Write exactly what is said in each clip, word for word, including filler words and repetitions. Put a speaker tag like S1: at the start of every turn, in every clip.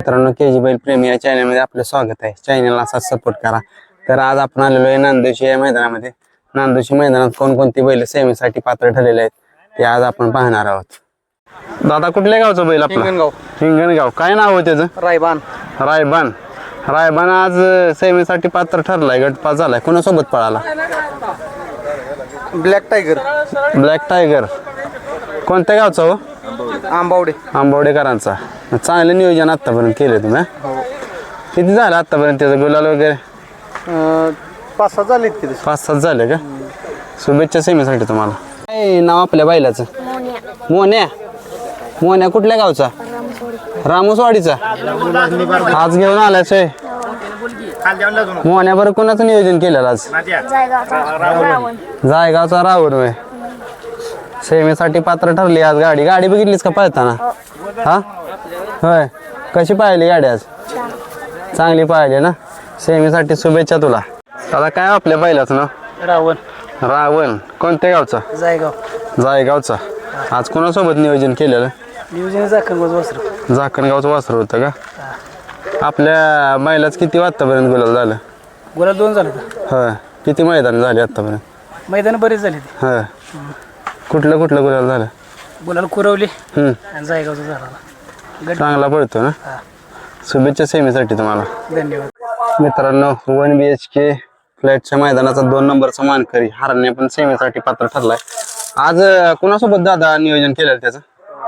S1: मित्रांनो, के जी बैल प्रेमी या चॅनलमध्ये आपलं स्वागत आहे. चॅनलला असा सपोर्ट करा. तर आज आपण आलेलो आहे नांदोशी या मैदानामध्ये. नांदोशी मैदानात कोणकोणती बैल सेमीसाठी पात्र ठरलेले आहेत ते आज आपण पाहणार आहोत. दादा, कुठल्या गावचं बैल आपला?
S2: हिंगणगाव.
S1: हिंगणगाव. काय नाव आहे त्याचं?
S2: रायबान.
S1: रायबान. रायबान आज सेमीसाठी पात्र ठरलाय, गटपास झालाय. कोणासोबत पळाला?
S2: Black tiger.
S1: Black tiger. कोणत्या गावचा हो?
S2: आंबावडे.
S1: आंबवडेकरांचा. चांगलं नियोजन आतापर्यंत केले तुम्ही. किती झालं आतापर्यंत त्याचं गुलाल वगैरे?
S2: पाच सात झाले तिथे.
S1: पाच सात झाले का? शुभेच्छा सेमीसाठी तुम्हाला. काय नाव आपल्या बैलाचं? मोन्या. मोन्या कुठल्या गावचा? रामोसवाडीचा. आज घेऊन आलाच आहे मोन्या. बरं, कोणाचं नियोजन केलेलं आज? जायगावचा रावण होय. सेमीसाठी पात्र ठरली आज. गाडी गाडी बघितलीस का पळताना? हा होय. कशी पाहिली गाडी आज? चांगली पाहिली ना. सेमीसाठी शुभेच्छा तुला. आता काय आपल्या बैलाचं नाव?
S2: रावण.
S1: रावण. कोणत्या गावचा?
S2: जायगाव.
S1: जायगावचा. आज कोणासोबत नियोजन केलेलं?
S2: नियोजन जाखणगाव वासरू.
S1: जाखणगावचं वासर होतं का? आपल्या बैलाच किती आतापर्यंत गुलाल झालं?
S2: गुलाल दोन झाले.
S1: होय. किती मैदान झाले आतापर्यंत?
S2: मैदान बरेच झाले.
S1: होय. कुठलं कुठलं गुलाल झालं?
S2: गुलाल कुरवली
S1: हम्म.
S2: आणि जायगावचा झाला.
S1: चांगला पडतो ना. शुभेच्छा सेमीसाठी तुम्हाला.
S2: धन्यवाद.
S1: मित्रांनो, वन बी एच के फ्लॅटच्या मैदानाचा दोन नंबरचा मानकरी हरणे पण सेमीसाठी पात्र ठरलाय. आज कुणासोबत दादा नियोजन केलं त्याचं?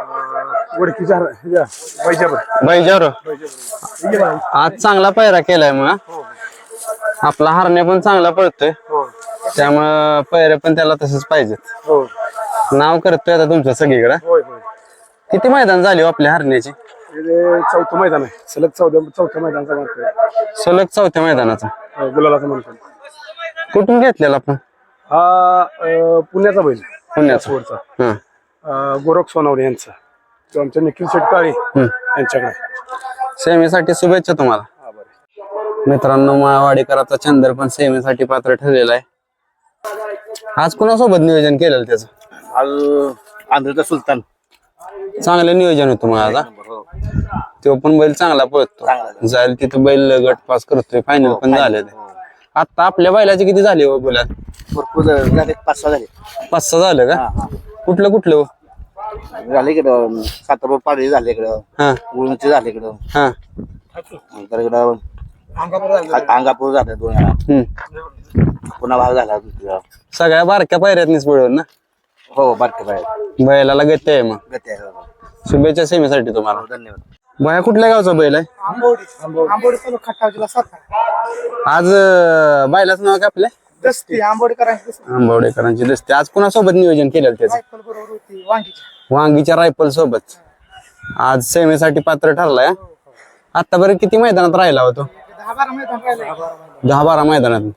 S1: बैजावर. आज चांगला पायरा केलाय मग. आपला हरणे पण चांगला पळतोय, त्यामुळं पैरे पण त्याला तसंच पाहिजेत. नाव करतोय आता तुमचं सगळीकडे. किती मैदान झाली आपल्या हरण्याची?
S3: चौथं मैदान आहे. सलग चौथ्या चौथ्या मैदानाचा मानकरी.
S1: सलग चौथ्या मैदानाचा
S3: गुलालाचा मानकरी.
S1: कुठून घेतलेला आपण?
S3: हा अं, पुण्याचा बैल.
S1: पुण्याचा.
S3: पुण्याचा
S1: हा.
S3: गोरख सोनावणे यांचा. तो आमच्या निखिल शेटकाळे यांच्याकडे.
S1: सेमीसाठी शुभेच्छा तुम्हाला. मित्रांनो, माळवाडीकरांचा चंदर पण सेमीसाठी पात्र ठरलेला आहे. आज कुणासोबत नियोजन केलेलं त्याचं?
S2: आज आंध्रचा सुलतान.
S1: चांगलं नियोजन होतं मग आज. तो पण बैल चांगला पळतो. जाईल तिथं बैल गट पास करतोय. फायनल पण झाले. आता आपल्या बैलाचे किती झाले हो बोला?
S2: भरपूर झाले. पाच सहा झाले.
S1: पाच सहा झालं का? कुठलं कुठलं हो?
S2: झाले इकडं सातारा पाडळी झाले इकडं.
S1: हा
S2: गुळूची झाले इकडं.
S1: हा.
S2: नंतर इकडं अंगापूर झालं दोन वेळा.
S1: हम्म.
S2: पुन्हा भाग झाला दुसरा.
S1: सगळ्या बारक्या पायऱ्यातनीच पळवून ना.
S2: हो, बारके बाहेर
S1: बैलाला गती आहे मग.
S2: गती आहे. हो.
S1: शुभेच्छा सेमीसाठी तुम्हाला.
S2: धन्यवाद.
S1: बाया कुठल्या गावचा बैल आहे?
S2: आंबोडी खटावजीला सात.
S1: आज अं, बैलाचं नाव काय आपल्या?
S2: दस्ती आंबोडकरांची.
S1: आंबवडेकरांची दस्ती. आज कुणासोबत नियोजन केलेलं त्याचं?
S2: बरोबर होती वांगीची.
S1: वांगीच्या रायफल सोबत आज सेमीसाठी पात्र ठरलाय. आतापर्यंत किती मैदानात राहिला होतो?
S2: दहा बारा मैदान राहिले.
S1: दहा बारा मैदानात.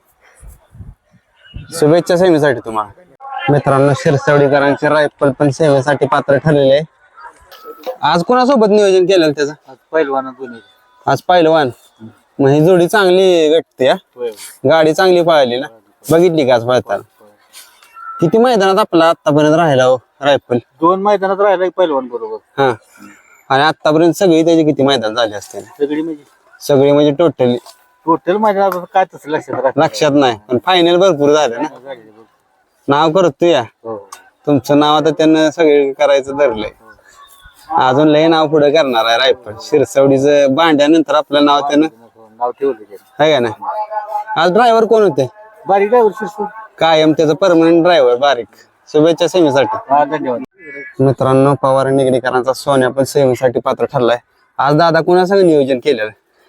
S1: शुभेच्छा सेमीसाठी तुम्हाला. मित्रांनो, शिरसवडीकरांचे रायफल पण सेवेसाठी पात्र ठरलेले आहे. आज कोणासोबत नियोजन केलं त्याचं?
S2: पहिलवान दोन्ही.
S1: आज पहिलवान. मग ही जोडी चांगली गटते. गाडी चांगली पळाली ना. बघितली का आज पळताना? किती मैदानात आपला आतापर्यंत राहिला हो रायफल?
S2: दोन मैदानात राहिला पहिलवान बरोबर.
S1: हा. आणि आतापर्यंत सगळी त्याची किती मैदान झाली असते?
S2: सगळी म्हणजे
S1: सगळी म्हणजे टोटली
S2: टोटल मैदानात काय तसं लक्षात राहत
S1: लक्षात नाही, पण फायनल भरपूर झालं ना. नाव करतो या.
S2: हो.
S1: तुमचं नाव आता त्यानं सगळे करायचं धरलंय. अजून लय नाव पुढे करणार आहे रायफल. शिरसवडीचं भांड्यानंतर आपलं नाव त्यानं
S2: नाव ठेवलं
S1: आहे का नाही. आज ड्रायव्हर कोण होते?
S2: बारीक ड्रायव्हर शिरसू.
S1: कायम त्याचं परमनंट ड्रायव्हर बारीक. शुभेच्छा सेमीसाठी.
S2: हा, धन्यवाद.
S1: मित्रांनो, पवार निगडीकरांचा सोन्या पण सेमीसाठी पात्र ठरलाय. आज दादा कुणासंग नियोजन केलेलं?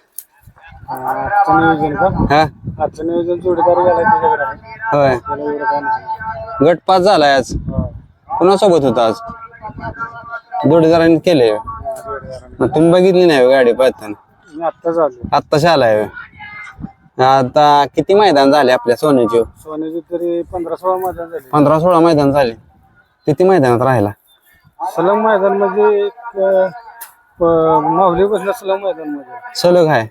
S3: आजचं नियोजन का?
S1: हा
S3: आजचं नियोजन जोडीदार झालाय त्याच्याकडे आहे.
S1: होय.
S3: त्याला एवढं काय नाही.
S1: गट पास झालाय आज. कुणासोबत होता आज? जोडीदारांनी केले. मग तुम्ही बघितली नाही हो गाडी पळताना?
S3: मी आत्ताच आलो.
S1: आत्ताशी आलाय. आता किती मैदान झाले आपल्या सोन्याची?
S3: सोन्याची तरी पंधरा सोळा मैदान झाले.
S1: पंधरा सोळा मैदान झाले. किती मैदानात राहिला?
S3: सलग मैदान म्हणजे एक माहुली बसला सलग मैदान मध्ये.
S1: सलग आहे.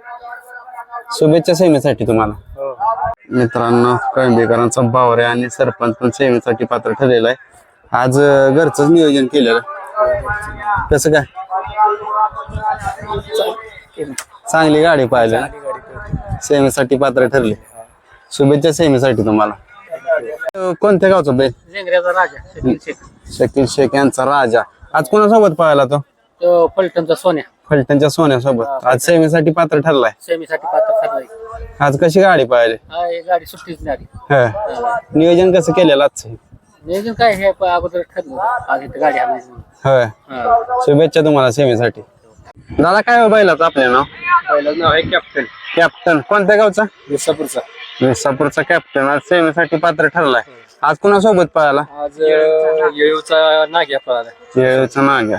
S1: शुभेच्छा सेमीसाठी तुम्हाला. मित्रांनो, कळंबेकरांचा बावरे आणि सरपंच पण सेमीसाठी पात्र ठरलेला आहे. आज घरचंच नियोजन केलेलं. कसं काय?
S3: केली
S1: चांगली गाडी पाहिली
S3: गाडी पळते.
S1: सेमीसाठी पात्र ठरले. शुभेच्छा सेमीसाठी तुम्हाला. अं, कोणत्या गावचा बैल?
S3: लेंगऱ्याचा राजा शकील शेख
S1: शकील शेख यांचा राजा आज कोणासोबत पाहिला तो?
S3: तो फलटणचा सोन्या
S1: फलटणच्या सोन्यासोबत आज सेमीसाठी पात्र ठरलाय.
S3: सेमीसाठी पात्र ठरलाय.
S1: आज कशी गाडी पाहिली?
S3: हा ही गाडी सुट्टीच नाही आली.
S1: होय. नियोजन कसं केलेलं आजचं?
S3: नियोजन काय हे प- अगोदर ठरलं होतं. आज इथं गाडी आणायची म्हणून.
S1: होय.
S3: हा.
S1: शुभेच्छा तुम्हाला सेमीसाठी. दादा काय हो बैलाचं आपल्या नाव?
S3: पहिलं नाव आहे कॅप्टन
S1: कॅप्टन कोणत्या गावचा?
S3: विसापूरचा.
S1: विसापूरचा कॅप्टन आज सेमीसाठी पात्र ठरलाय. आज कुणासोबत पळाला?
S3: आज येळूचा नाग्या पळाला.
S1: येळूचा नाग्या.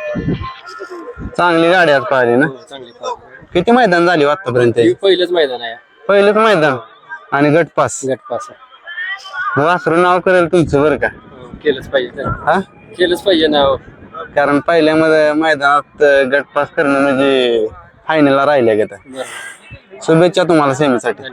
S1: चांगली गाडी आज पाहिली ना.
S3: चांगली पळाली.
S1: किती मैदान झाली आतापर्यंत?
S3: हे पहिलंच मैदान आहे.
S1: पहिलंच मैदान आणि गटपास.
S3: गटपास
S1: वासरू नाव करेल तुमचं बरं का.
S3: केलंच पाहिजे.
S1: हा
S3: केलंच पाहिजे नाव.
S1: कारण पहिल्या मध्ये मैदानात गटपास करणं म्हणजे फायनलला राहिले गेलं. शुभेच्छा तुम्हाला सेमीसाठी.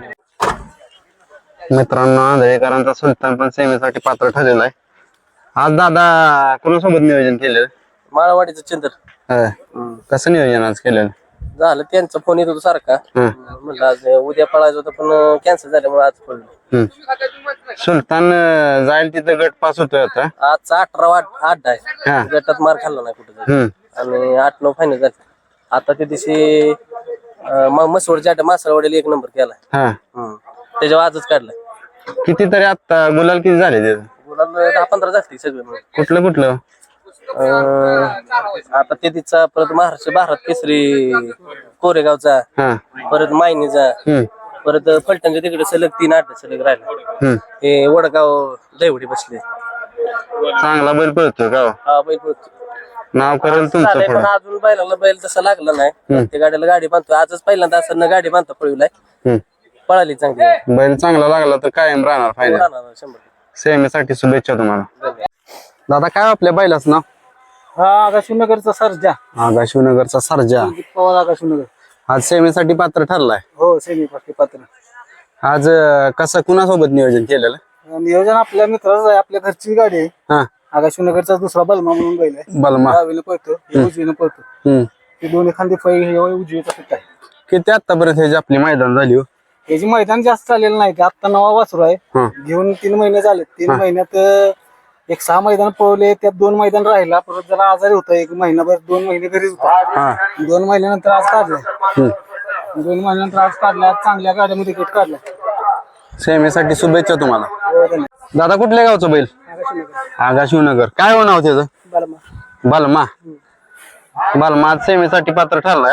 S1: मित्रांनो आंधळेकरांचा सुलतान पण सेमीसाठी पात्र ठरलेला आहे. आज दादा कोणासोबत नियोजन केलेलं?
S3: माळवाडीचं चंद्र.
S1: होय. कसं नियोजन आज केलेलं?
S3: झालं त्यांचा फोन येत होता सारखा.
S1: हं.
S3: म्हणलं आज उद्या पळायचं होतं पण कॅन्सल झाल्यामुळे आज पडलो.
S1: हम्म. सुलतान अं, जाईल तिथं गट पास होतोय आता.
S3: आजचा अठरा आठ आठ
S1: हा.
S3: आहे. गटात मार खाल्ला नाही कुठे
S1: हम्म.
S3: आणि आठ नऊ फायनल झाले. आता त्या दिवशी मसवडच्या मासळवाडीला एक नंबर केला.
S1: हा
S3: त्याच्यावर आजच काढला.
S1: कितीतरी आता गुलाल किती झाले त्याचं?
S3: गुलाल दहा पंधरा झाली सगळे मिळून.
S1: कुठलं कुठलं?
S3: अं, आता ते तिचा परत महाराष्ट्र भारत केसरी कोरेगावचा,
S1: हा.
S3: परत मायनीचा,
S1: हम्म.
S3: परत फलटणच्या तिकडे सलग तीन आठ सलग राहिला.
S1: हम्म.
S3: हे वडगाव दैवडी बसले.
S1: चांगला बैल पळतोय का हो?
S3: हा बैल पळतो.
S1: नाव करेल तुमचं
S3: चालेल, पण
S1: पुढं.
S3: अजून बैलाला बैल तसा लागला नाही. त्या गाडीला गाडी बांधतो. आजच पहिल्यांदा असं गाडी बांधता पळविलाय.
S1: हम्म.
S3: पळाली चांगली.
S1: बैल चांगला लागला तर कायम राहणार फायदा.
S3: राहणार शंभर टक्के.
S1: सेमीसाठी शुभेच्छा तुम्हाला. दादा काय आपल्या बैलाचं नाव?
S3: हा आकाशनगरचा सर्जा.
S1: आगा शिवनगरचा सर्जा
S3: पवार आकाशनगर.
S1: आज सेमीसाठी पात्र ठरलाय.
S3: हो सेमी पात्र.
S1: आज अं, कसं कुणासोबत नियोजन केलेलं?
S3: नियोजन आपल्या मित्राचं आहे. आपल्या घरची गाडी आहे.
S1: हा.
S3: आकाशनगरचा दुसरा बलमा म्हणून बैल आहे.
S1: बलमा.
S3: डावीनं पळतो, हे उजवीनं पळतो.
S1: हम्म.
S3: हे दोन्ही खांदे फै हे उजवीचा सुट्टा आहे.
S1: किती आतापर्यंत ह्याची आपली मैदान झाली हो?
S3: याची मैदान जास्त चाललेलं नाही. ते आत्ता नवा वासरू आहे.
S1: हा.
S3: घेऊन तीन महिने झाले. तीन महिन्यात अं, एक सहा मैदान पळवले. त्यात दोन मैदान राहिला. परत जरा आजारी होता एक महिनाभर. दोन महिने घरीच होता.
S1: हा.
S3: दोन महिन्यानंतर आज काढलाय.
S1: हम्म.
S3: दोन महिन्यानंतर आज काढला. चांगल्या गाड्यामध्ये गट काढला.
S1: सेमीसाठी शुभेच्छा तुम्हाला. दादा कुठल्या गावचं बैल? आगा शिवनगर. काय हो नाव त्याचं? बलमा. बलमा आज सेमीसाठी पात्र ठरलाय.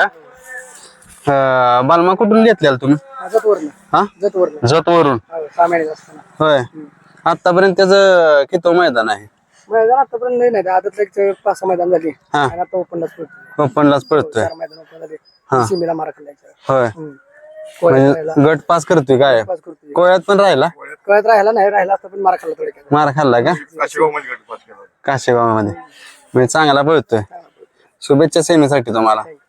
S1: अं, बलमा कुठून घेतलेला तुम्ही? हा जतवरून. होय. आतापर्यंत त्याचं किती मैदान आहे?
S3: मैदान आतापर्यंत नाही नाही. आदत एक पाच सहा मैदान झाली.
S1: हा.
S3: आणि आता ओपनलाच पळतो.
S1: ओपनलाच पळतोय.
S3: चार मैदान ओपन झाले.
S1: हा.
S3: सीमेला मारा खाल्लायचा.
S1: होय.
S3: कोळ्यात
S1: म्हणजे
S3: राहिला.
S1: गट पास करतोय काय?
S3: पास करतोय.
S1: कोळ्यात पण राहिला?
S3: कोळ्यात राहिला नाही. राहिला असता पण मारा खाल्ला थोडक्यात.
S1: मार खाल्ला का? काशेगाव मध्ये म्हणजे चांगला पळतोय. शुभेच्छा सेमीसाठी तुम्हाला.